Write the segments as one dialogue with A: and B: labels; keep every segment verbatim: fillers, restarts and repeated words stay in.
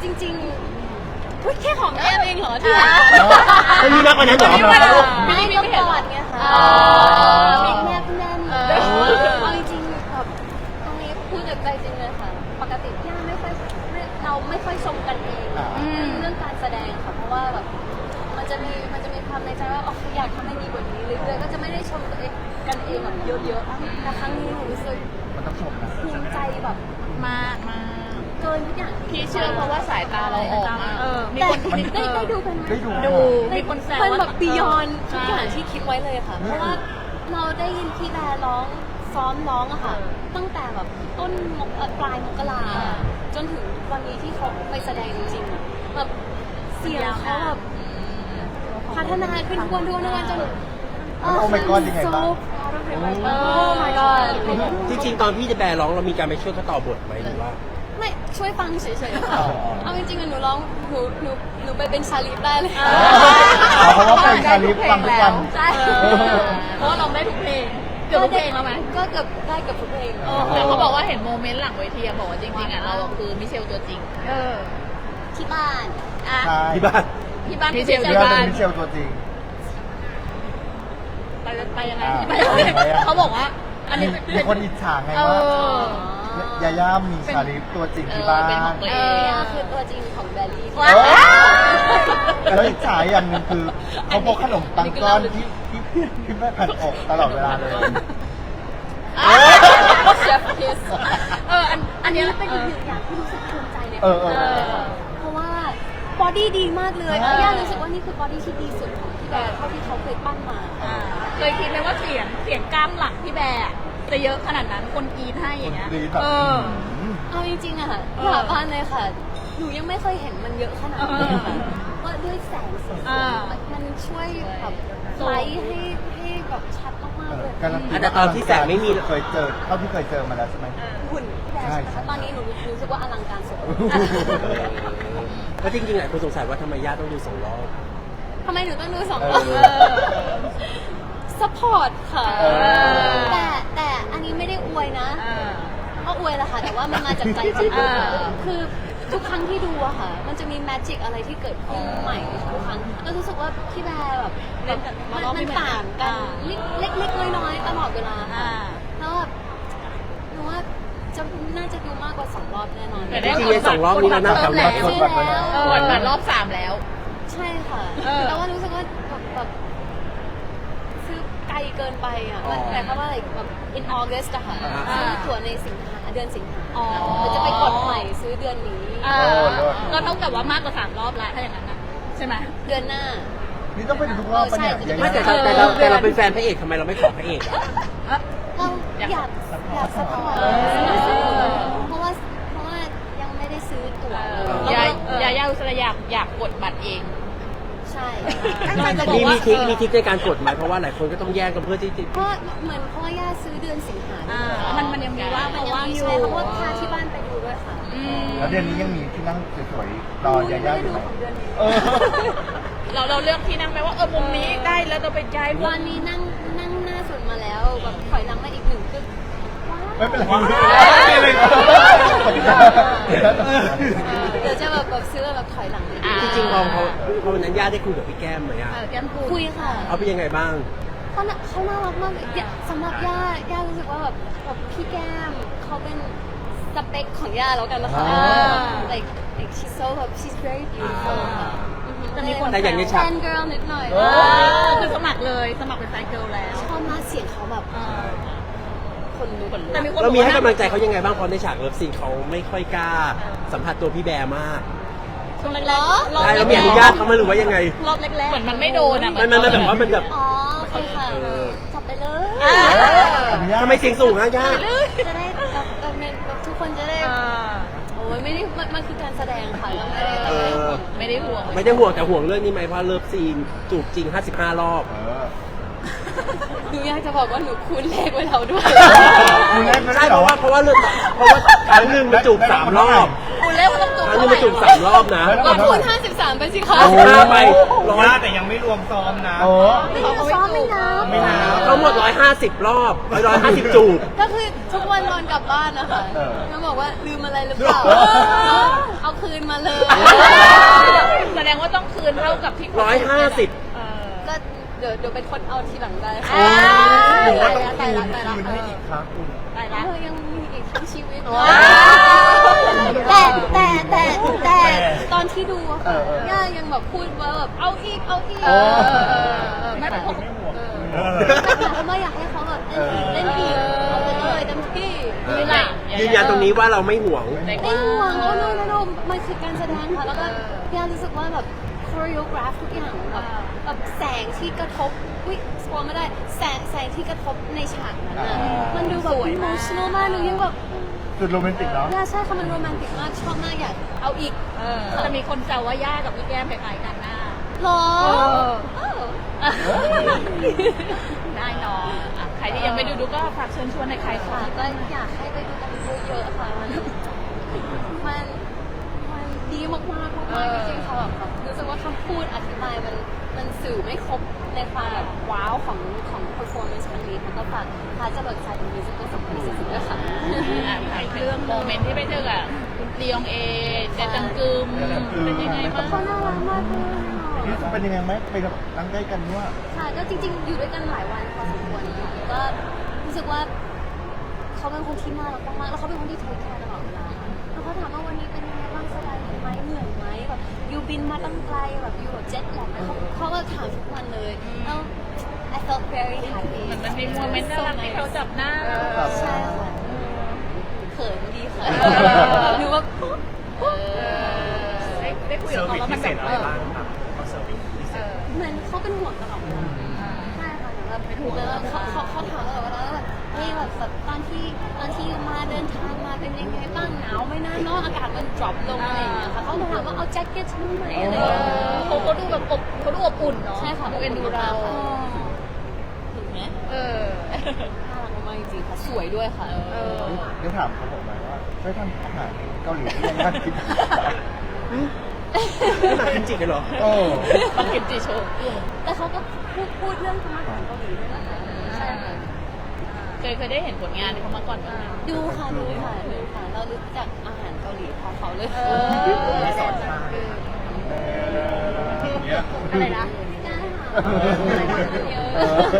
A: จริงๆเฮ้ยแค่หอมแก้มเองเหรอที่
B: ไม่มีมากกว่านั้นหรอ
A: ไม่ไม่ก็กอดไงค่ะมีแนบแน่นเอาจริงๆแบบตรงนี้พูดจากใจจริงเลยค่ะปกติย่าไม่ค่อยเราไม่ค่อยชมกันเองเรื่องการแสดงค่ะเพราะว่าแบบมันจะมีมันจะมีความในใจว่าอ๋ออยากทำให้ดีกว่านี้เรื่อยๆก็จะไม่ได้ชมตัวเองกันเองแบบเยอะๆแต่ครั้งนี้หนูรู้สึก
B: มันต้องชมนะ
A: ภูมิใจแบบ
C: มากมาก
A: เกินทุกอย่าง
C: พี่เชื่อเพราะว่าสายตาเราออกมาเออมี
A: แต่
C: คน
A: ได้ได้ดูกันไหม
B: ได้ดู
C: ดูมีคนแซว
A: มัน
C: ว่า
A: แบบบียอนทุกอย่างที่คิดไว้เลยค่ะ เพราะว่าเราได้ยินพี่แบร์ร้องซ้อมร้องอะค่ะ ตั้งแต่แบบต้นมกปลายมกราจนถึงวันนี้ที่เขาไปแสดงจริงๆอะแบบเสียงเขาแบบพัฒนาขึ้นทุกวันทุกวันทุกวันจน
B: โอ้ my god ยังไงบ้าง
A: โอ้ my god
D: จริงๆตอนพี่จะแบร์ร้องเรามีการไปช่วยเขาต่อบทไหมหรือว่า
A: ไม่ช่วยฟังเฉยๆค่ะ เอาจริงๆอะหนูร้องหนูหนูหนูไปเป็นชาลีฟได้เลย
B: เพราะว่าเป็นชาลิฟฟังทุกวัน
A: ใช่
C: เพราะว่าเราได้ทุกเพลงเกือบทุกเพลงแล้วไหม
A: ก็เกือบได้เกือบทุกเพลง
C: แต่เขาบอกว่าเห็นโมเมนต์หลังเวทีอะบอกว่าจริงๆอ่ะเราคือมิเชลตัวจริงเออ
A: ที่บ้านอ่ะ
B: ใช่
D: ที่บ้าน
C: ที่บ้านมิเชล
B: เรี
C: ที่
B: ยกว่า
C: บ้า
B: เป็น นมิเชลตัวจริง
C: ไปไปยังไง
B: อ่า
C: ที่ไปยังไง
B: ไปยังไง
C: เขาบอกว่าอันนี้
B: มีคนอิจฉาไง
C: เอ
B: ว่า
C: อ
B: ยาย่ามีชาลิฟตัวจริงที่บ้า
C: เออเป็นขอน งตัวเอง
A: เนี่ยคือตัวจริงของแบลลี่
C: ว้า
B: เออแล้วอิจฉาอย่างหนึงคือเขาพกขนมปังก้อนที่ที่ที่แม่แผ่นอกตลอดเวลาเลย
A: เชฟคิส
C: เอออัน
A: อันนี้เป็นอีกหนึ่งอย่างที่รู้สึกภูมิใจใน
B: เออเออ
A: เพราะว่าบอดี้ดีมากเลยย่ารู้สึกว่านี่คือบอดี้ที่ดีสุดของพี่แบร์เท่าที่เขาเคยปั้นมา
C: อ่าเคยคิดไหมว่าเสียงเสียงกล้ามหลังพี่แบร์อะจะเยอะขนาดนั้นคนกรีดให้อย่างเงี้ย
B: คนกรี๊ดแบบ
C: เออ
A: เอาจริงๆอะค่ะ
C: เออ
A: สาบานเลยค่ะ หนูยังไม่เคยเห็นมันเยอะขนาดนี้ค่ะว่าด้วยแสงสี
C: อ่า
A: มันช่วยแบบไลท์ให้ให้แบบชัดมากๆเลย
B: การันตี
D: แต่ตอนที่แสงไม่มี
B: เคยเจอเท่าที่เคยเจอมาแล้วใช่ไหม
A: หุ่นพี่แบร์ใช่ไหม
B: ใช่
A: คะตอนนี้หนูรู้สึกว่าอลังการสุด
D: ก็จริงๆหลายคนสงสัยว่าทำไมย่าต้องดูสองรอบ
A: ทำไมหนูต้องดูสอง
B: เอ
A: ร
B: อ
A: อบสปอร์ตค่ะ
B: เออ
A: แต่แต่อันนี้ไม่ได้อวยนะ
C: เออ
A: ก็อวยแหละค่ะ แต่ว่ามันมาจากใจจริง
C: อ่า
A: คือทุกครั้งที่ดูอะค่ะ มันจะมีแมจิกอะไรที่เกิดขึ้นใหม่ทุกครั้งก็รู้สึกว่าพี่แบร์แบบ
C: เล่นกับ
A: มัน
C: รอบไม่
A: มัน
C: เหมือน
A: ต่างกัน
C: อ่า
A: เล็กเล็กๆน้อยๆตลอดเวลา
C: อ่า
A: แล้วแบบหนูว่าจะน่าจะดูมากกว่าสองรอบแน่นอน
C: แต่
D: จ
C: ได้
D: ริงๆในสองรอบนี้เราน่า
C: เพิ่
D: ทำ
C: ม
D: แล้
C: แล้ว ว
A: ซื้อแล้ว
C: เออเหมือนรอบสามแล้ว
A: ใช่ค่ะ
C: เออ
A: แต่ว่ารู้สึกว่าแบบแบบซื้อไกลเกินไปอ่ะ
B: อ๋อ
A: แต่เพราะว่าอะไรแบบ in August อะค่ะ
B: อ่า
A: ซื้อตั๋วในสิงหาเดือนสิงหา
C: อ๋อ
A: มันจะไปกดใหม่ซื้อเดือนนี้
C: อ่า
B: โอ้เลิศ
C: ก็เท่ากับว่ามากกว่าสามรอบแล้วถ้าอย่างนั้นนะใช่ไหม
A: เดือนหน้า
B: นี่ต้องไปดูทุกรอบปะเนี่ย
A: เออใช่
B: ยา
D: ไม่
B: ย่า
D: แต่เราแต่เราแต่เราเป็นแฟนพระเอกทำไมเราไม่ขอพระเอกอะ
A: เราอยากอยากสปอร์ต
C: เออ
A: เพราะว่าเพราะว่ายังไม่ได้ซื้อตั๋วเลย
C: ยา
A: แล้วก็
C: ยายาอุสระอยากอยากกดบัตรเอง
A: ใช่
C: เราจะบอก
D: มี
C: ว่า
D: มีทริคมีทริคในการกดไหมเพราะว่าหลายคนก็ต้องแย่งกันเพื่อที่จะ
A: เพราะเหมือนเพราะว่าย่าซื้อเดือนสิงหา
C: อ่ามันมันยังมีว่าง
A: มัน
C: เพราะ
A: ยัง
C: ว่าง
A: มี
C: อยู่
A: ใช่เพราะว่าพาที่บ้านไปดูด้วยค่ะ
C: อืม
B: แล้วเดือนนี้ยังมีที่นั่งสวยๆรอยาย่าอยู่ไหม
A: ของเดือนนี้
B: เออ
C: เราเราเลือกที่นั่งไหมว่าเออมุมนี้ได้แล้วเราไปย้ายมุม
A: วันนี้นั่งนั่งหน้าสุดมาแล้วแบบถอยหลังมาอีกหนึ่งคือว้าว
B: ไม่เป็นไร
D: ว้าว
B: ไม่เป็นไร
A: เดี๋ยวจะแบบแบบซื้อแบบถอยหลังอีก
C: อ่า
D: จริงๆพอพอพอวันนั้นย่าได้คุยกับพี่แก้มไหมอะ
C: เออแก้มพูด
A: คุยค่ะ
D: เอาเป็นยังไงบ้าง
A: เขาน่ะเขาน่ารักมากเลยเนี่ยสำหรับย่าย่ารู้สึกว่าแบบแบบพี่แก้มเขาเป็นสเปคของย่าแล้วกันนะคะ
B: อ่า
A: like like she's so แบบ she's very beautiful ค่ะ
C: แต่มีคน
D: แต่อย่างในฉาก
A: แฟน girl นิดหน่อย
B: เอ
C: เอ
B: อ
C: อคือสมัครเลยสมัครเป็นแฟนเกิร์ลแล้ว
A: ชอบมากเสียงเขาแบบ
C: เออ
A: คนลุก
C: แต่มีคน
D: เรามีให้
C: บอก
D: กำ
C: ว่า
D: ลังใจเขายังไงบ้างเพราะในฉากเลิฟซีนเขาไม่ค่อยกล้า สัมผัสตัวพี่แบร์มาก
C: ช่วงแรก
A: เหรอ
C: ๆรอบ
D: ได้
C: แร
D: เรา
C: ก
D: มีอนุญาตเขาไหมหรือว่ายังไง
C: รอบแรกๆเหมือนมันไม่โดนอ่ะ
D: มันมันมันแบบว่ามันแบบ
A: อ๋อโอเคค่ะ
D: เออ
A: จับไปเลย
C: อ่า
B: อนุญาต
D: ทำไมเสียงสูงอะย่า
A: จะได้แบบแบบแบบทุกคนจะได้
C: เออ
A: โอ้ยไม่ได้มันมันคือการแสดงค่ะแล้วไม่ได้
D: เออ
C: ไม่ได้ห่วง
D: ไม่ได้ห่วงแต่ห่วงเรื่องนี้ไหมเพราะเลิฟซีนจูบจริงห้าสิบห้ารอบ
B: เออ
A: หนูอยากจะบอกว่าหนูคูณเลขไว้แล้วด้วย
B: คุณเล่นไม่
D: ใช่
B: ได้
D: เพ
B: เหรอ
D: ราะว่าเพราะว่าเรื่องเพราะว่าครั้งหนึ่งมันจูบสามรอบ
C: คุณเล่นว่าต้องจูบ
D: รั้งนึงมาจูบสามรอบนะ
A: ก็คูณห้าสิบสามไปสิคะ
D: โอ้ห้าไปร้อย
E: ยากแต่ยังไม่รวมซ้อมนะ
B: โอ้
A: ไม่ได้ซ้อมไม่นับ
E: ไม่นับ
D: ทั้งหมดร้อยห้าสิบรอบร้อยห้าสิบจูบ
A: ก็คือทุกวันนอนกลับบ้านนะคะแล้วบอกว่าลืมอะไรหรือเปล่า
B: เออ
A: เอาคืนมาเลย
C: แสดงว่าต้องคืนเท่ากับที่
D: ร้อยห้าสิบ
C: เออ
A: ก็เดี๋ยวเดี๋ยวเป็นคนเอาทีหลังได้ค่ะ
C: อ่า
B: หรือว่า
A: ตาย
B: ต้อง
A: ละตายละ
B: คืน
A: ตายละ
B: ให้อีกครั้งคุณ
C: ไป
A: เอ
C: ละ
A: อยังมีอีกทั้งชีวิต
C: ว้าว
A: แต่แต่แต่แต่ตอนที่ดูอะ
B: เอ
A: ค่ะ
B: อเออย่
A: ายังแบบพูดว่าแบบเอาอีกเอาอีก
B: เออ
C: ไม่เป็นผม
E: เออ
A: แต่ไม่อยากให้เขาแบบเล่นอีกเล่นอีกเอาไปเลยเต็มที่
C: นี่แหละ
D: ยืนยันตรงนี้ว่าเราไม่ห่วง
A: ไม่ห่วงโอ้โนโนโนมันคือการแสดงค่ะ แล้วก็พี่อารู้สึกว่าแบบคอริโอกราฟทุกอย่างแบบแบบแสงที่กระทบอุ้ยสปอยไม่ได้แสงแสงที่กระทบในฉากนั้นน่ะมันดูแบบอิโมชั่นอลมากหนูยังแบบ
B: จุดโรแมนติกเนาะ
A: น่าใช่ค่ะมันโรแมนติกมากชอบมากอยากเอาอีก
C: เออจะมีคนแซวว่าย่ากับพี่แก้มคล้ายๆกันหน้า
A: หรอ
C: เออ ได้เนาะอ่ะใครที่ยังไม่ดูดูก็ฝากเชิญชวนในใคร
A: ค่ะ
C: ค่ะ
A: ก็อยากให้ไปดูกันเยอะๆค่ะมันมันมันดีมากๆมากๆจริงๆค่ะแบบรู้สึกว่าคำพูดอธิบายมันมันสื่อไม่ครบในความแบบว้าวของของ performance ครั้งนี้แล้วก็ฝากพาจะเบิกใจเป็นมิวสิควลสองพันยี่สิบสี่ด้วยค่ะ
C: อ่ะถามเรื่องโมเมนต์ที่ไปเจอกับคุณลียองเอเจจังกึมเป็นยังไงบ้าง
A: เขาน่ารักมากเลย
B: นี่เป็นยังไงไหมไปกับนั่งใกล้กันว่า
A: ค่ะก็จริงๆ อยู่ด้วยกันหลายวันพอสมควรนะคะก็รู้สึกว่าเขาเป็นคนที่น่ารักมากๆแล้วเขาเป็นคนที่เทคแคร์ตลอดเวลาแล้วเขาถามว่าวันนี้เป็นยังไงบ้างสบายดีไหมเหนื่อยไหมแบบยูบินมาตั้งไกลแบบยูแบบเจ็ตแลกเขาเขาก็ถามทุกวันเลยแล้ว I felt very happy
C: มันมันมีโมเมนต์น่ารักที่เขาจับหน้า
A: ใช่ค่ะเขินดีค่ะหนูว่า
C: เออได้ได้คุย
E: เซ
C: กั
E: อบ ร์
C: เขา
E: วิส
C: แล้วมันแบบ
E: พิเศษอะไรบ้างครับเขาเซอร์วิสพิเศษ
A: เหมือนเขาเป็นห่วงตลอดเวลาใช่ค่ะแบบเป็นห่วงแล้วเขาเขาเขาถามตลอดเวลาว่าแบบเฮ้ยแบบแบบตอนที่ตอนที่มาเดินทางมาเป็นยังไงบ้างหนาวไหมนะเนาะอากาศมัน drop ลงอะไรอย่างเงี้ยค่ะเขาถามว่าเอาแจ็คเก็ตฉันไหมอะไรอย่างเงี้ย
C: เขาก็ดูแบบอบเขาดูอบอุ่นเนาะ
A: ใช่ค่ะ
C: ดูเอ็นดูเรา
A: ถูกไหม
C: เออ
A: น่ารักมากจริงๆค่ะสวยด้วยค่ะ
C: เออ
B: ได้ถามเขาบอกไหมว่าช่วยทำอาหารเกาหลีที่ยังน่ากิน
D: นี่มากินจิกันเหรอ
B: โอ้
C: ต้องกินจีโชว์
A: แต่เขาก็พูดพูดเรื่องธรรมะของเกาหลีด้วยนะคะใช่ค่ะ
C: เคยเคยได้เห็นผลงานเขามาก่อนไหม
A: ดูค่ะดูค่ะดูค่ะเรารู้จักอาหารเกาหลีเพราะเขาเลย
C: เออ
E: สอนมา
C: อะไรนะ
A: ได้ค่ะเยอะ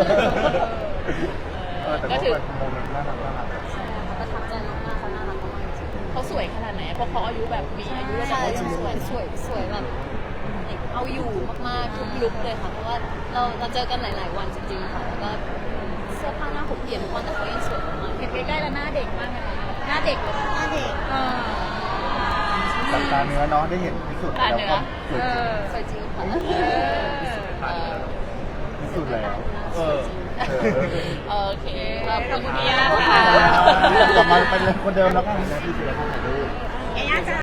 B: เออแต่ก็เป็นโมเมนต์น่ารักน่ารัก
A: ใช่ค่ะประทับใจมากๆเขาน่ารักมากๆจริง
C: เขาสวยขนาดไหนเพราะเขาอายุแบบมีอายุ
A: ๆ
C: แล้ว
A: ใช่
C: แต่
A: สวยสวยสวยแบบเอาอยู่มากๆทุกลุคเลยค่ะ เพราะว่าเราเราเจอกันหลาย ๆ วันจริง ๆ ค่ะ แล้วก็เสื้อผ้าหน้าผมเปลี่ยนทุกวันแต่เขายังสวยมาก
C: เห็นใกล้ๆแล้วหน้าเด็กมากเลยนะหน้าเด็กเลย
A: หน้าเด็ก
C: เออ
B: สัตาเนื้อเนาะได้เห็นพิสูจน์แล้วก็สวยจริง
A: สวยจริงค่ะ
C: เออ
B: พิสูจน์แล้ว
E: เออ
B: เออ
C: โอเคขอบคุณพี่ย่า
B: ขอบคุณ
C: ค่ะ
B: ค่ะกลับมาเป็นคนเดิมแล้วกันนะพี่เสือถ่ายรูป
C: ย่าจ้า